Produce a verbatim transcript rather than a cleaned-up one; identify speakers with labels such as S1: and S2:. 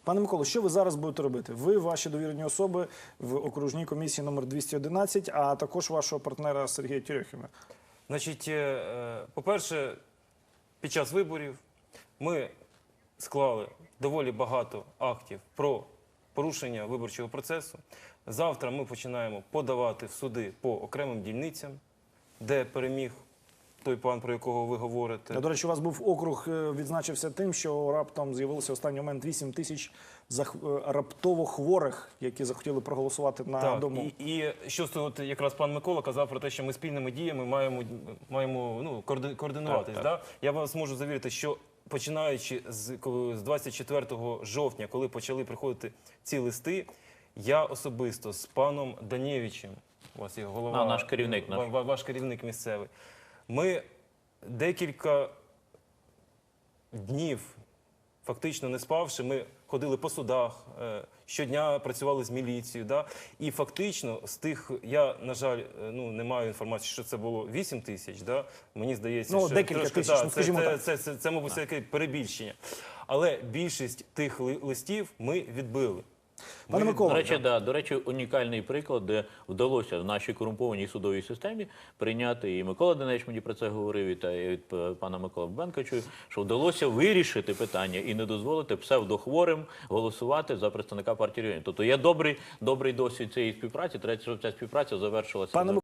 S1: Пане Миколо, що ви зараз будете робити? Ви, ваші довірені особи в окружній комісії номер двісті одинадцять, а також вашого партнера Сергія Терехіна.
S2: Значить, по-перше, під час виборів ми склали доволі багато актів про порушення виборчого процесу. Завтра ми починаємо подавати в суди по окремим дільницям, де переміг той пан, про якого ви говорите.
S1: До речі, у вас був округ, відзначився тим, що раптом з'явилося в останній момент вісім тисяч раптово хворих, які захотіли проголосувати на
S2: так,
S1: дому.
S2: І, і що от якраз пан Микола казав про те, що ми спільними діями маємо, маємо ну, координуватись. Так, так. Да? Я вас можу завірити, що починаючи з, з двадцять четвертого жовтня, коли почали приходити ці листи, я особисто з паном Данєвичем, у вас є голова,
S3: а, наш керівник, наш.
S2: Ваш, ваш керівник місцевий, ми декілька днів, фактично не спавши, ми ходили по судах, щодня працювали з міліцією. Да? І фактично з тих, я, на жаль, ну, не маю інформації, що це було вісім тисяч, да? Мені здається,
S1: ну,
S2: що
S1: декілька
S2: трошки,
S1: тисяч,
S2: да,
S1: ну,
S2: це,
S1: скажімо
S2: це,
S1: так.
S2: це, це, це, це, мабуть, таке перебільшення. Але більшість тих листів ми відбили.
S1: Пане Микола,
S3: до речі, да, до речі, унікальний приклад, де вдалося в нашій корумпованій судовій системі прийняти, і Микола Денич мені про це говорив, і, та, і від пана Микола Бенка чую, що вдалося вирішити питання і не дозволити псевдохворим голосувати за представника партії регіонів. Тобто є добрий, добрий досвід цієї співпраці, треба, щоб ця співпраця завершилася.